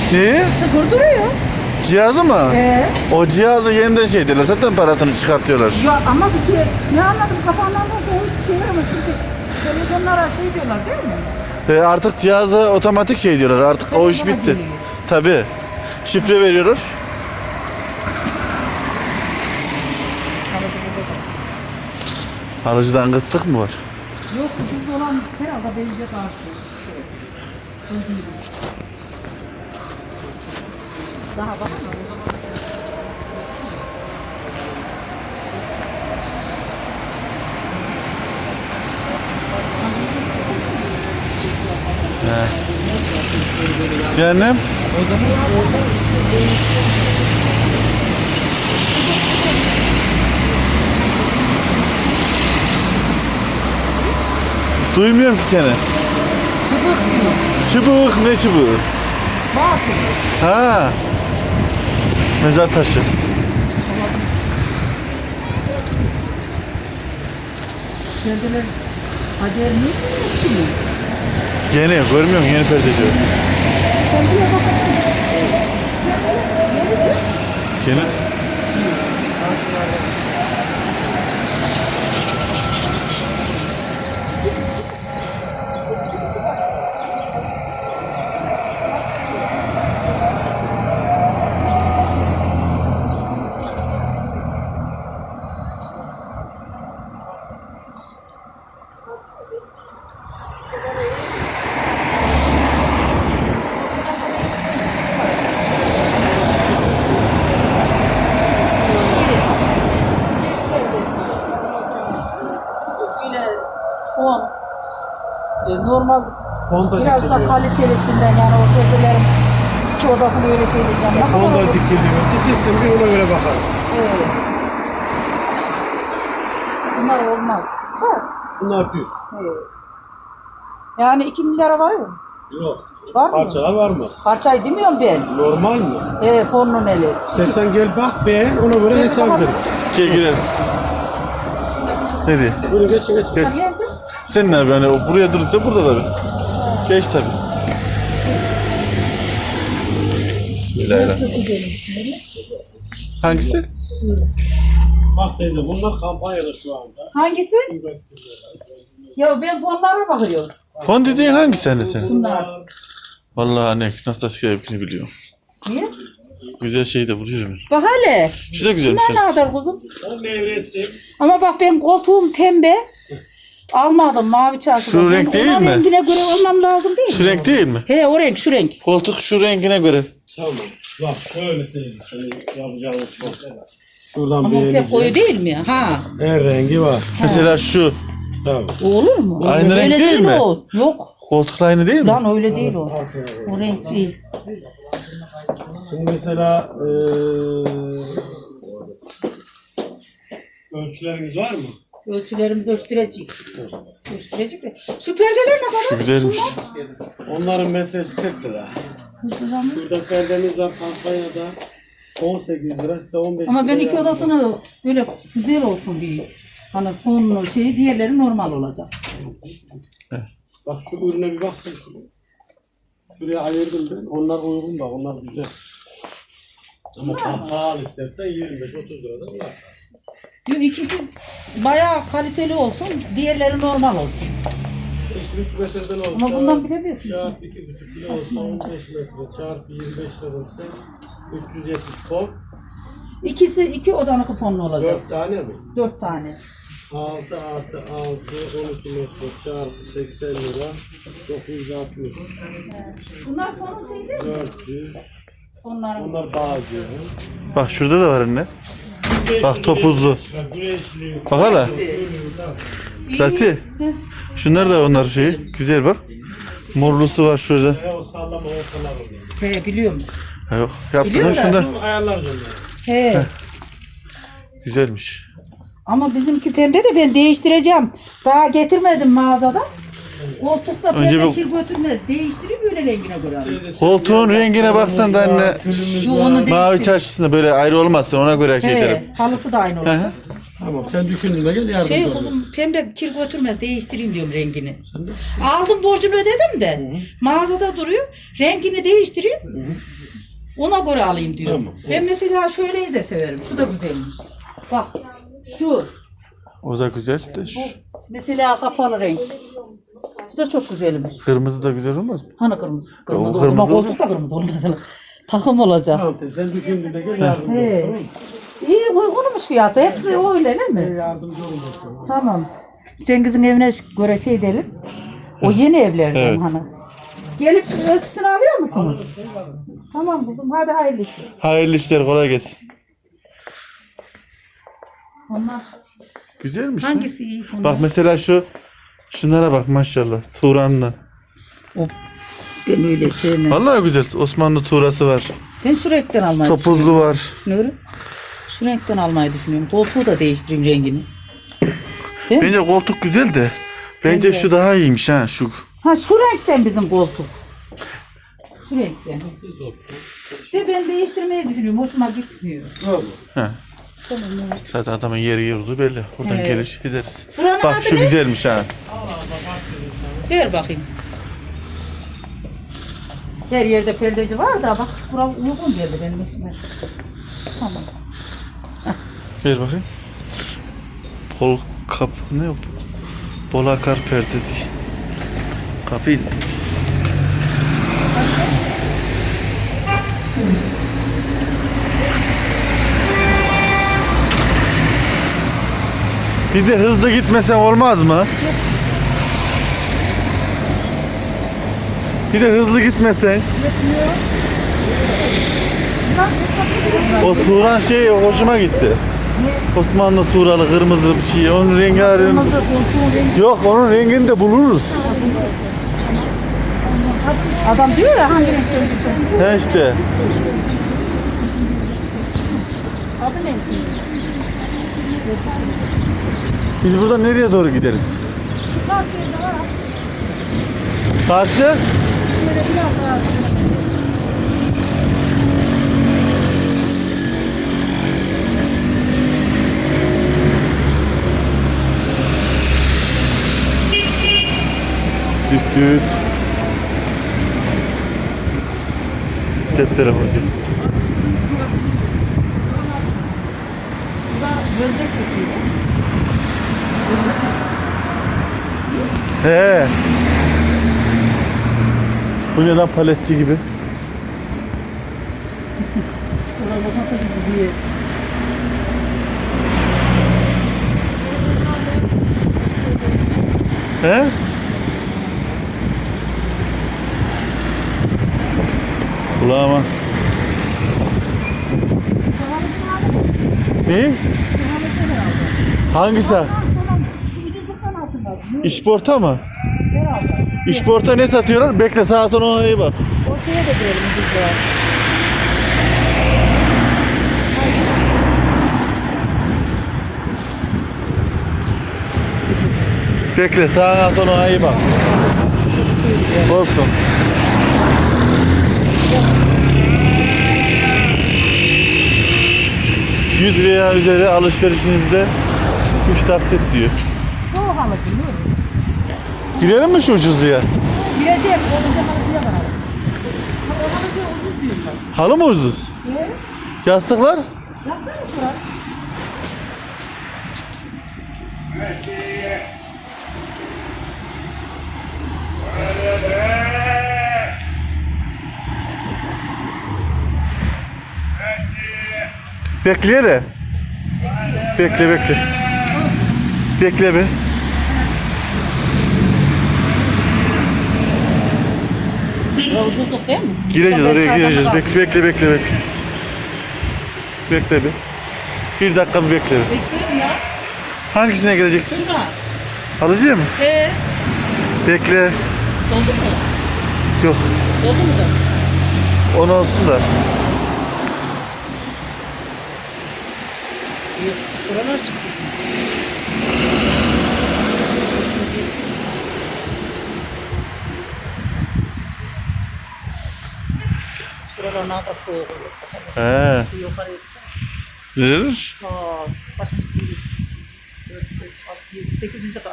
Neyi? Sıfır duruyor. Cihazı mı? O cihazı yeniden şey diyorlar. Zaten parasını çıkartıyorlar. Ya ama bir şey ne anladım kafandan da o hiçbir şey yaramaz. Çünkü televizyonlara şey diyorlar değil mi? Artık cihazı otomatik şey diyorlar. Artık o iş bitti. Tabii. Şifre veriyorlar. Alıcıdan gıttık mı var? Yok ucuz olan herhalde benzer karşı. Daha baksana. Yani duymuyorum ki seni. Çıbık diyor. Çubuk ne çubuğu? Batıl. Ha. Mezar taşı. Perdeler haber mi yok ki? Yeni görmüyor musun? Yeni perde diyor. Perdeye bakalım. Yeni. Fon. Normal Fon da biraz da dikiliyor. kalitelisinden yani o perdelerin iki odasını öyle şey diyeceğim. Ne Fon kadar da olur? dikiliyor. Dikilsin bir ona göre bakarız. Evet. Bunlar olmaz. Ha. Bunlar düz. Evet. Yani 2 milyara var mı? Yok. Var mı? Parçalar varmaz. Parçayı demiyorum ben. Normal mi? Fonun eli. İstersen gel bak beğen ona göre hesap edelim. Gel girelim. Nereye? Bunu geçin geçin. Geç. Nerede? Sen ne yapıyorsun? Yani o buraya durursa burada tabii. Geç tabii. Bismillahirrahmanirrahim. Hangisi? Bak teyze bunlar kampanyada şu anda. Hangisi? Ya ben fonlara bakıyorum. Fon dediğin hangisi anne senin? Bunlar. Vallahi anne nasıl da evkini biliyorum. Niye? Güzel şey de buluyorum. Bak hele. Şu da güzelmiş. Şunlar ne kadar kuzum? O nevresim. Ama bak ben koltuğum pembe. Almadım mavi çarşıda. Şu renk değil Ona mi? rengine göre olmam lazım değil Şu mi? renk değil mi? He o renk şu renk. Koltuk şu rengine göre. Tamam. Bak şöyle teyze senin yapacağımız çok. Şuradan Ama pek beğeneceğim. koyu değil mi? Ha. Her rengi var. Mesela şu. Tamam. O olur mu? Aynı Öyle renk değil mi? O. Yok. Koltukla aynı değil mi? Lan öyle değil o. O renk değil. Şimdi mesela ölçüleriniz var mı? Ölçülerimizi ölçtürecek. Ölçtürecek de. Şu perdeler ne kadar? Şu güzelmiş. Onların metresi 40 lira. Şunlar. Burada perdemiz var kampanyada 18 lira size 15 lira. Ama ben iki odasını böyle güzel olsun diye. Hani fonlu şeyi diğerleri normal olacak. Bak şu ürüne bir baksın şuraya. Şuraya ayırdım ben. Onlar uygun bak. Onlar güzel. Ama pahalı istersen 25-30 liradan var. Yo, ikisi bayağı kaliteli olsun, diğerleri normal olsun. İşte 3 metreden olsa. Ama bundan biraz yapıyorsun. Çarpı 2,5 kilo olsa 15 metre. Çarpı 25 lira ise 370 fon. İkisi iki odanın fonlu olacak. 4 tane mi? 4 tane. 6 artı 6 12 metre çarpı 80 lira 960 Bunlar fonun şey değil mi? 400 Onların. Bunlar bazı. Bak şurada da var anne. Bak topuzlu. Güneşli. Bak hala. Rati. Şunlar da onlar şeyi. Güzel bak. Morlusu var şurada. O sallama ortalar oluyor. He biliyorum. Ha, yok. Yaptın Biliyor şunda. Ayarlarız onları. He. Güzelmiş. Ama bizimki pembe de ben değiştireceğim. Daha getirmedim mağazadan. Koltukta Önce pembe bir- kir götürmez. Değiştireyim böyle rengine göre. Koltuğun rengine baksan da anne. Şu onu Mavi değiştir. çarşısında böyle ayrı olmazsa ona göre şey derim. He. Halısı da aynı olacak. Tamam sen düşündüğünde gel yardımcı Şey olursun. kuzum pembe kir götürmez değiştireyim diyorum rengini. Sen de Aldım borcunu ödedim de mağazada duruyor. Rengini değiştireyim. Ona göre alayım diyorum. Tamam. Ben mesela şöyleyi de severim. Şu da güzelmiş. Bak şu. O da güzel de. Mesela kapalı renk. Şu da çok güzelmiş. Kırmızı da güzel olmaz mı? Hani kırmızı? Kırmızı O o zaman kırmızı koltuk da kırmızı olmaz. Takım olacak. Tamam teyze sen düşündüğünde gel yardımcı He. olursun. İyi uygunmuş fiyatı. Hepsi öyle değil mi? Yardımcı olursun. Tamam. Cengiz'in evine göre şey edelim. O yeni evlerden Evet. hani. Gelip ölçüsünü alıyor musunuz? Tamam kızım hadi hayırlı işler. Hayırlı işler, kolay gelsin. Onlar Güzelmiş lan. hangisi iyi? Bak mesela şunlara bak maşallah. Turanlı. Ben öyle sevmem. Vallahi güzel. Osmanlı tuğrası var. Ben şu renkten almayı Topuzlu var. düşünüyorum. Şu renkten almayı düşünüyorum. Koltuğu da değiştireyim rengini. Değil mi? Bence koltuk güzel de. Bence şu daha iyiymiş ha şu. Ha şu renkten bizim koltuk. Şu renkten. İşte ben değiştirmeyi düşünüyorum. Hoşuma gitmiyor. Ha. Tamam evet. Zaten adamın yeri yurdu belli. Buradan Evet. geliş gideriz. Buranın Bak adı şu ne? güzelmiş ha. Ver bakayım. Her yerde perdeci var da bak bura uygun geldi benim işime. Tamam. Ver bakayım. Pol kap ne yok? Bolakar perde değil. Kapıyı. Bir de hızlı gitmesen olmaz mı? Bir de hızlı gitmesen. O Turan şey hoşuma gitti. Osmanlı Tuğralı kırmızı bir şey. Onun rengi ayrı. Yok onun rengini de buluruz. Adam diyor ya hangi renk söylüyorsun? He işte. Adı ne? Biz buradan nereye doğru gideriz? Çıkar şeyde var. Karşı? Böyle biraz daha. Düt düt. Cep telefonu. Bölecek geçiyor. He. Bu ne lan paletçi gibi? He? Kulağıma. Ne? Hangisi? İşporta mı? Herhalde. İşporta ne satıyorlar? Bekle sağa sola ona iyi bak. O şeye de girelim biz de. Bekle sağa sola ona iyi bak. Olsun. ...100 veya üzeri alışverişinizde 3 taksit diyor. Bu halı değil mi? Girelim mi şu ucuzluya? Gireceğiz. Olunca halıcıya bakalım. O halıcıya ucuz diyorlar. Halı mı ucuz? Evet. Yastıklar? Baksana şuraya. Bekleye de. Bekle bekle. Bekle be. Şuraya ucuzluk değil mi? Gireceğiz Ben oraya çaydan gireceğiz. bak- Bekle. Bekle bir. Bir dakika bir bekle. Bekliyorum ya. Hangisine gireceksin? Şuna. Alıcıya mı? Bekle. Doldu mu? Yok. Doldu mu da? 10 olsun da. Yok. Şuralar çıktı. Şuralar ne kadar soğuk olur. He. Yukarı. Verir. Aa, bak. 4, 5, 6, 7, 8. kat.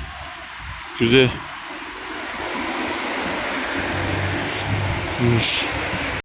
Güzel. İyiymiş.